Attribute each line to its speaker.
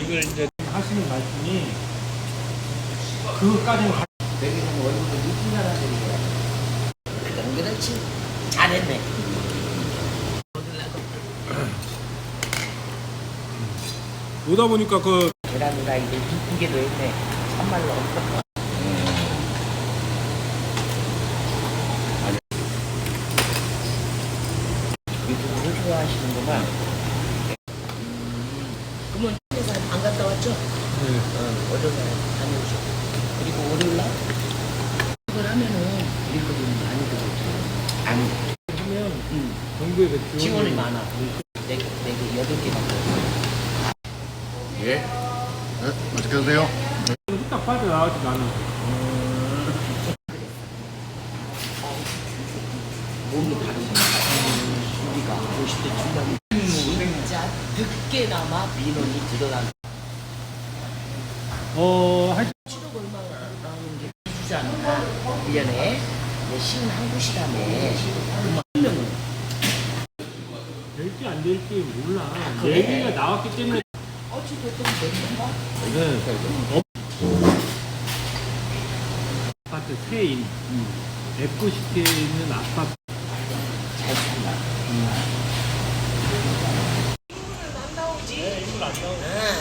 Speaker 1: 이걸 이제
Speaker 2: 하시는 말씀이 그것까지는
Speaker 3: 여기는 얼굴을 이쁜 사람들이 그럼 그렇지 잘했네.
Speaker 2: 오다 보니까 그
Speaker 3: 계란이가 이제 이쁘게도 했네. 참말로. 유튜브를 좋아하시는구만. 그러면 회사 안 갔다 왔죠? 월요일에 다녀오셨고. 그리고 월요일날 이걸 하면은 우리 거좀 많이 들어오죠. 안 하면
Speaker 2: 정부의 그
Speaker 3: 지원이 많아. 내게 8개 받고.
Speaker 4: 예. 네, 맛있게 드세요.
Speaker 2: 후딱 빠져나가지 나는.
Speaker 3: 몸이 다르구나. 우리가 50대 중반 진짜 늦게나마 민원이 들어간.
Speaker 2: 하여튼
Speaker 3: 7억 얼마 나오는 게 주지 않나? 1년에 51곳이라며. 그럼 한 명은
Speaker 2: 될지 안 될지 몰라.
Speaker 3: 그래?
Speaker 2: 얘기가 나왔기 때문에
Speaker 3: 어찌됐든 됐는가?
Speaker 2: 아파트 세인 F90에 있는 아파트
Speaker 3: 잘 산다.
Speaker 2: 인물 안 나오지?